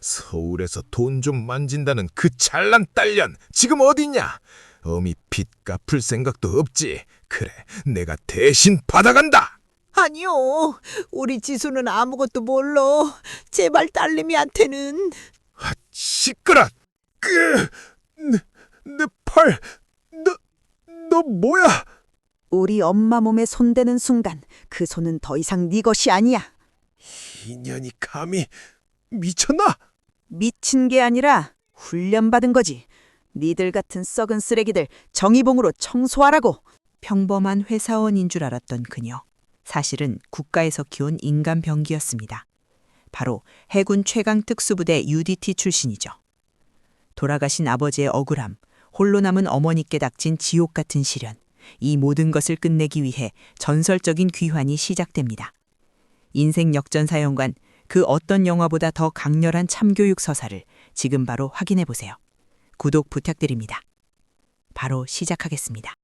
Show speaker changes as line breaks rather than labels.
서울에서 돈 좀 만진다는 그 잘난 딸년 지금 어디냐? 어미 빚 갚을 생각도 없지. 그래, 내가 대신 받아간다.
아니요. 우리 지수는 아무것도 몰라. 제발 딸내미한테는.
시끄러. 내 팔. 너 뭐야?
우리 엄마 몸에 손대는 순간 그 손은 더 이상 네 것이 아니야.
인연이 감히 미쳤나?
미친 게 아니라 훈련받은 거지. 니들 같은 썩은 쓰레기들 정의봉으로 청소하라고. 평범한 회사원인 줄 알았던 그녀. 사실은 국가에서 키운 인간 병기였습니다. 바로 해군 최강 특수부대 UDT 출신이죠. 돌아가신 아버지의 억울함, 홀로 남은 어머니께 닥친 지옥 같은 시련. 이 모든 것을 끝내기 위해 전설적인 귀환이 시작됩니다. 인생 역전사연관, 그 어떤 영화보다 더 강렬한 참교육 서사를 지금 바로 확인해 보세요. 구독 부탁드립니다. 바로 시작하겠습니다.